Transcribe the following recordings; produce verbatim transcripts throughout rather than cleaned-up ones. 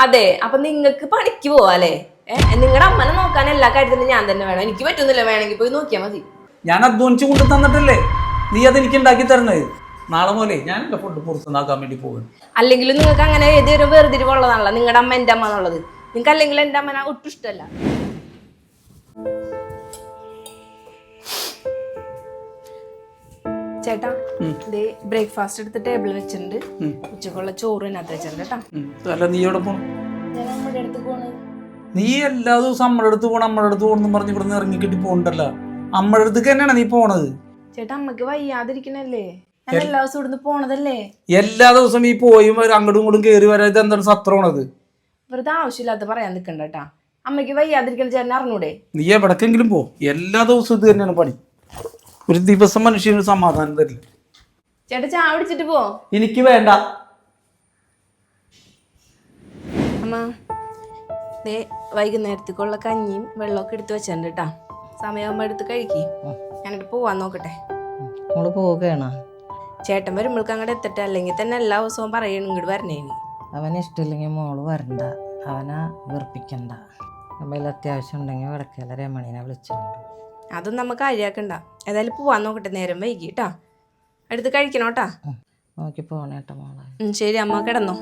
അതെ, അപ്പൊ നിങ്ങക്ക് പണിക്ക് പോവാല്ലേ? ഏഹ് നിങ്ങളുടെ അമ്മനെ നോക്കാൻ എല്ലാ കാര്യത്തിലും ഞാൻ തന്നെ വേണം. എനിക്ക് പറ്റുന്നില്ല, വേണമെങ്കിൽ പോയി നോക്കിയാൽ മതി. ഞാൻ അധ്വാനിച്ചു കൊണ്ട് തന്നിട്ടല്ലേ നീ അതെനിക്ക് ഉണ്ടാക്കി തരണത്. നാളെ പോലെ ഞാൻ എന്റെ ഫുഡ് പുറത്തുനിന്നാക്കാൻ വേണ്ടി പോകും. അല്ലെങ്കിലും നിങ്ങൾക്ക് അങ്ങനെ ഏതൊരു വേർതിരിവുള്ളതാണല്ലോ നിങ്ങളുടെ അമ്മ എന്റെ അമ്മ എന്നുള്ളത്. നിങ്ങൾക്ക് അല്ലെങ്കിൽ എന്റെ അമ്മനെ ഒട്ടും ഇഷ്ടമല്ല. ചേട്ടാ, ഇതേ ബ്രേക്ക്ഫാസ്റ്റ് എടുത്ത് ടേബിളിൽ വെച്ചിട്ടുണ്ട്. ഉച്ചക്കുള്ള ചോറ് അതിനകത്ത് വെച്ചിട്ടുണ്ട് കേട്ടാ. അല്ല നീ എവിടെ പോണം? ഞാൻ അമ്മയുടെ അടുത്ത് പോണത്. നീ എല്ലാ ദിവസവും അമ്മയുടെ അടുത്ത് പോകണം അമ്മയുടെ അടുത്ത് പോകണം പറഞ്ഞ് ഇവിടെ നിന്ന് ഇറങ്ങിക്കിട്ടി പോകണ്ടല്ലോ. അമ്മയുടെ അടുത്തേക്ക് തന്നെയാണ് നീ പോണത്. ചേട്ടാ, അമ്മക്ക് വയ്യാതിരിക്കണല്ലേ? ഞാൻ എല്ലാ ദിവസവും ഇവിടുന്ന് പോണതല്ലേ? എല്ലാ ദിവസവും ഈ പോയും അങ്ങോട്ടും ഇങ്ങോട്ടും കയറി വരാത് എന്താണ് സത്രമാണത്? വെറുതെ ആവശ്യമില്ലാത്ത പറയാൻ നിൽക്കണ്ട കേട്ടാ. അമ്മയ്ക്ക് വയ്യാതിരിക്കണ ചേട്ടൻ അറിഞ്ഞൂടെ? നീ എവിടക്കെങ്കിലും പോ, എല്ലാ ദിവസവും ഇത് തന്നെയാണ് പണി. ഒരു ദിവസം മനുഷ്യന് സമാധാനം തരില്ല. ചേട്ടാ, ചായ പിടിച്ചിട്ട് പോ. എനിക്ക് വേണ്ട. അമ്മ ദേ വൈകുന്നേരത്തേക്കുള്ള കഞ്ഞിയും വെള്ളമൊക്കെ എടുത്ത് വെച്ചിട്ടുണ്ട് കേട്ടാ. സമയമാകുമ്പോ എടുത്ത് കഴിക്കി. ഞാനിട്ട് പോവാൻ നോക്കട്ടെ. നമ്മള് പോവുകയാണോ? ചേട്ടൻ വരുമ്പോൾക്ക് അങ്ങോട്ട് എത്തട്ടെ, അല്ലെങ്കിൽ തന്നെ എല്ലാ ദിവസവും പറയണം ഇങ്ങോട്ട് വരണേന്. അവന് ഇഷ്ടമില്ലെങ്കിൽ മോള് വരണ്ട, അവനെ വെറുപ്പിക്കണ്ട. നമ്മൾ അത്യാവശ്യം ഉണ്ടെങ്കിൽ വടക്കേല രമണീനെ വിളിച്ചോണ്ട്. അതൊന്നും നമുക്ക് കാര്യാക്കണ്ട. ഏതായാലും പോവാൻ നോക്കട്ടെ, നേരം വൈകി കേട്ടാ. എടുത്ത് കഴിക്കണോട്ടാ. നോക്കി പോണേട്ട മോളെ. ശരി അമ്മ, കിടന്നോ.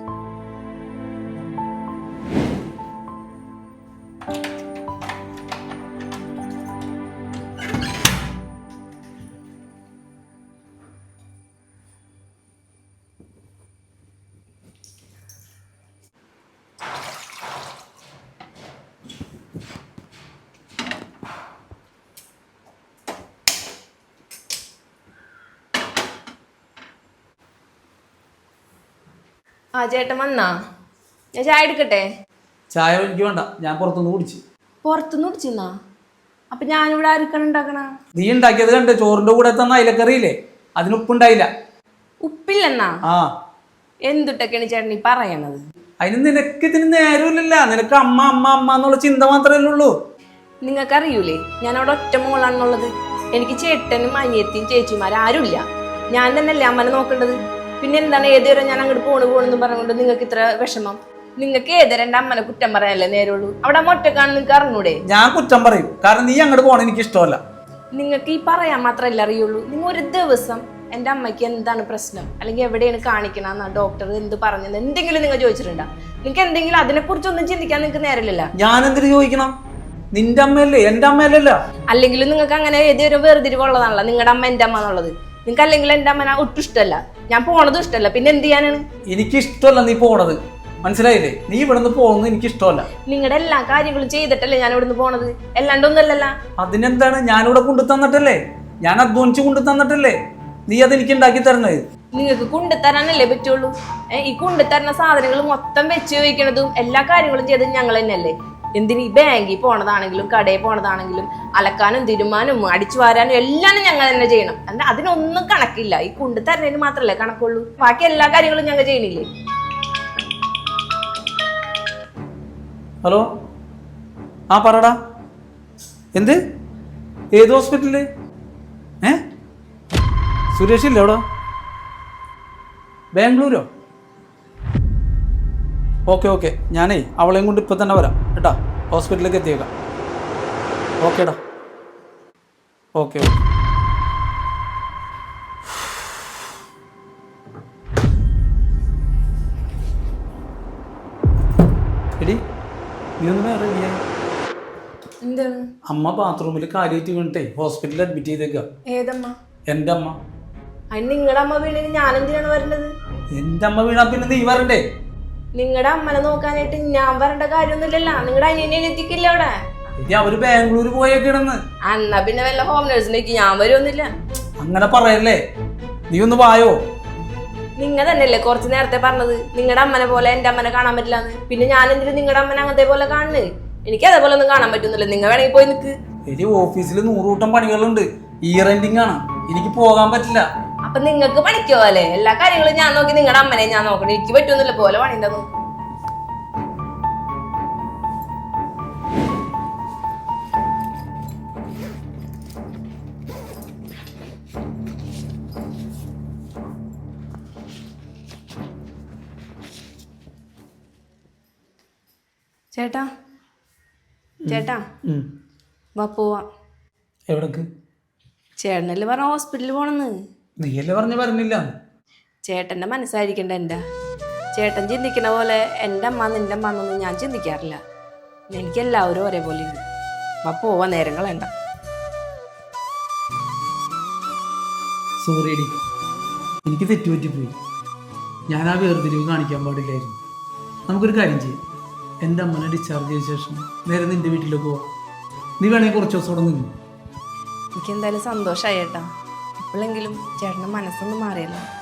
ആ ചേട്ടൻ വന്നാ? ഞാൻ ചായ എടുക്കട്ടെ? ചായ എനിക്ക് വേണ്ട, ഞാൻ പുറത്തുനിന്ന് കുടിച്ചു. പുറത്തുനിന്ന് കുടിച്ചിന്നാ? അപ്പൊ ഞാനിവിടെ ആർക്കാണ് ഉണ്ടാക്കണ? നീ ഉണ്ടാക്കിയത് കണ്ട് ചോറിന്റെ കൂടെ തന്ന അയിലക്കറിയില്ലേ, അതിന് ഉപ്പുണ്ടായില്ല. ഉപ്പില്ലെന്നാ? ആ, എന്തുട്ടൊക്കെയാണ് ചേട്ടൻ ഈ പറയണത്? അതിന് നിനക്ക് ഇതിന് നേരമില്ലല്ല. നിനക്ക് അമ്മ അമ്മ അമ്മ എന്നുള്ള ചിന്ത മാത്രമല്ലേ ഉള്ളൂ. നിങ്ങൾക്കറിയൂലേ ഞാൻ അവിടെ ഒറ്റ മോളാണെന്നുള്ളത്? എനിക്ക് ചേട്ടനും അനിയത്തിയും ചേച്ചിമാരും ആരുമില്ല. ഞാൻ തന്നെയല്ലേ അമ്മനെ നോക്കേണ്ടത്. പിന്നെ എന്താണ് ഏതുവരെ ഞാൻ അങ്ങോട്ട് പോണു പോണെന്ന് പറഞ്ഞുകൊണ്ട് നിങ്ങൾക്ക് ഇത്ര വിഷമം? നിങ്ങൾക്ക് ഏതുവരെ എന്റെ അമ്മനെ കുറ്റം പറയാനല്ലേ നേരുള്ളൂ? അവിടെ അമ്മ ഒറ്റക്കാണ് നിങ്ങൾക്ക് അറിഞ്ഞൂടെ? ഞാൻ കുറ്റം പറയും, കാരണം നീ അങ്ങോട്ട് പോകണം എനിക്ക് ഇഷ്ടമല്ല. നിങ്ങൾക്ക് ഈ പറയാൻ മാത്രമല്ല അറിയുള്ളൂ. നിങ്ങൾ ഒരു ദിവസം എൻ്റെ അമ്മയ്ക്ക് എന്താണ് പ്രശ്നം, അല്ലെങ്കിൽ എവിടെയാണ് കാണിക്കണമെന്നാ ഡോക്ടർ എന്ത് പറഞ്ഞത് എന്തെങ്കിലും നിങ്ങൾ ചോദിച്ചിട്ടുണ്ടോ? നിങ്ങൾക്ക് എന്തെങ്കിലും അതിനെക്കുറിച്ചൊന്നും ചിന്തിക്കാൻ നിങ്ങൾക്ക് നേരമില്ല. ഞാൻ എന്തിനു ചോദിക്കണം? നിന്റെ അമ്മയല്ലേ, എന്റെ അമ്മയല്ലല്ലോ. അല്ലെങ്കിലും നിങ്ങൾക്ക് അങ്ങനെ ഏതൊരു വേർതിരിവുള്ളതാണല്ലോ നിങ്ങളുടെ അമ്മ എൻ്റെ അമ്മ എന്നുള്ളത്. നിങ്ങൾക്ക് അല്ലെങ്കിൽ എൻ്റെ അമ്മ ഒട്ടും ഇഷ്ടമല്ല, ഞാൻ പോണതും ഇഷ്ടമല്ല. പിന്നെ എന്ത് ചെയ്യാനാണ്? എനിക്ക് ഇഷ്ടമല്ല നീ പോണത്, മനസ്സിലായില്ലേ? നീ ഇവിടുന്ന് പോകുന്നത് എനിക്ക് ഇഷ്ടമല്ല. നിങ്ങളുടെ എല്ലാ കാര്യങ്ങളും ചെയ്തിട്ടല്ലേ ഞാൻ ഇവിടുന്ന് പോണത്, അല്ലാണ്ടൊന്നല്ലല്ല. അതിനെന്താണ്? ഞാനിവിടെ കൊണ്ടു തന്നിട്ടല്ലേ, ഞാൻ അധ്വാനിച്ചു കൊണ്ടു തന്നിട്ടല്ലേ നീ അതെനിക്ക് ഉണ്ടാക്കി തരണത്. നിങ്ങൾക്ക് കൊണ്ടുതരാനല്ലേ പറ്റുള്ളൂ. ഏഹ് ഈ കൊണ്ടുതരുന്ന സാധനങ്ങൾ മൊത്തം വെച്ച് വയ്ക്കണതും എല്ലാ കാര്യങ്ങളും ചെയ്തത് ഞങ്ങൾ തന്നെയല്ലേ. എന്തിന് ഈ ബാങ്കിൽ പോണതാണെങ്കിലും കടയിൽ പോണതാണെങ്കിലും അലക്കാനും തിരുമാനും അടിച്ചു വാരാനും എല്ലാം ഞങ്ങൾ തന്നെ ചെയ്യണം. അല്ല അതിനൊന്നും കണക്കില്ല. ഈ കൊണ്ടുതരുന്നതിന് മാത്രമല്ലേ കണക്കുള്ളൂ, ബാക്കി എല്ലാ കാര്യങ്ങളും ഞങ്ങൾ ചെയ്യണില്ലേ. ഹലോ, ആ പറടാ. എന്ത്? ഏത് ഹോസ്പിറ്റലില്? ഏ സുരേഷ് ഇല്ല എവിടെ? ബാംഗ്ലൂരോ? ഓക്കെ ഓക്കെ, ഞാനേ അവളെയും കൊണ്ട് ഇപ്പം തന്നെ വരാം കേട്ടാ. ഹോസ്പിറ്റലിലേക്ക് എത്തിയേക്കാം. ഓക്കേടാ, ഓക്കെ ഓക്കെ. എടി നീ ഒന്ന് റെഡിയായി. എന്താണ്? അമ്മ ബാത്റൂമിൽ കാര്യമായിട്ട് വീണിട്ടേ ഹോസ്പിറ്റലിൽ അഡ്മിറ്റ് ചെയ്തേക്കുക. ഏതമ്മ? എൻ്റെ അമ്മ. അതിന് നിങ്ങളുടെ അമ്മ വീണിന് ഞാൻ എന്തിനാണ് വരേണ്ടത്? എൻ്റെ അമ്മ വീണാ പിന്നെ നീ വരണ്ടേ? നിങ്ങളുടെ അമ്മനെ നോക്കാനായിട്ട് ഞാൻ വരേണ്ട കാര്യമൊന്നുമില്ലല്ലോ. നിങ്ങളുടെ അനിയനെ എത്തിക്കില്ല അവിടെ. ഇനി അവര് ബാംഗ്ലൂര് പോയേക്കിടന്ന്. എന്നാ പിന്നെ വല്ല ഹോം നേഴ്സിലേക്ക് ഞാൻ വരുമൊന്നുമില്ല. അങ്ങനെ പറയല്ലേ, നീ ഒന്ന് വായോ. നിങ്ങൾ തന്നെയല്ലേ കുറച്ച് നേരത്തെ പറഞ്ഞത് നിങ്ങളുടെ അമ്മനെ പോലെ എന്റെ അമ്മനെ കാണാൻ പറ്റില്ലാന്ന്. പിന്നെ ഞാൻ എന്തിനും നിങ്ങളുടെ അമ്മനെ അങ്ങനത്തെ പോലെ കാണുന്നത്? എനിക്ക് അതേപോലെ ഒന്നും കാണാൻ പറ്റുന്നില്ല. നിങ്ങൾ വേണമെങ്കിൽ പോയി നിൽക്ക്. ഇനി ഓഫീസിൽ നൂറുകൂട്ടം പണികളുണ്ട്, ഇയർ എൻഡിങ് ആണ്, എനിക്ക് പോകാൻ പറ്റില്ല. അപ്പൊ നിങ്ങൾക്ക് പണിക്കോ അല്ലേ? എല്ലാ കാര്യങ്ങളും ഞാൻ നോക്കി നിങ്ങളുടെ അമ്മനെ ഞാൻ നോക്കണം. എനിക്ക് പറ്റുന്നില്ല പോലെ പണിന്റെ നോക്കും. ചേട്ടാ ചേട്ടാ ഉം. വാ പോവാം. എവിടേക്ക്? ചേട്ടനല്ലേ പറഞ്ഞ ഹോസ്പിറ്റലിൽ പോണെന്ന്. നീയല്ലേ പറഞ്ഞ പറഞ്ഞില്ല. ചേട്ടൻ്റെ മനസ്സായിരിക്കണ്ട എൻ്റെ. ചേട്ടൻ ചിന്തിക്കണ പോലെ എൻ്റെ അമ്മ നിൻ്റെ അമ്മ എന്നൊന്നും ഞാൻ ചിന്തിക്കാറില്ല. എനിക്ക് എല്ലാവരും ഒരേപോലെ ഉണ്ട്. വാ പോവാ, നേരം കളയണ്ട. സോറി എടി, എനിക്ക് തെറ്റുപറ്റിപ്പോയി. ഞാൻ ആ വേർതിരിവ് കാണിക്കാൻ പാടില്ലായിരുന്നു. നമുക്കൊരു കാര്യം ചെയ്യാം, എൻ്റെ അമ്മനെ ഡിസ്ചാർജ് ചെയ്ത ശേഷം നേരെ നിൻ്റെ വീട്ടിലേക്ക് പോവാം. നീ വേണമെങ്കിൽ കുറച്ച് ദിവസം അവിടെ നിന്നു. എനിക്ക് എന്തായാലും സന്തോഷമായി ചേട്ടാ. എപ്പോഴെങ്കിലും ചേട്ടൻ്റെ മനസ്സൊന്നും മാറിയല്ലോ.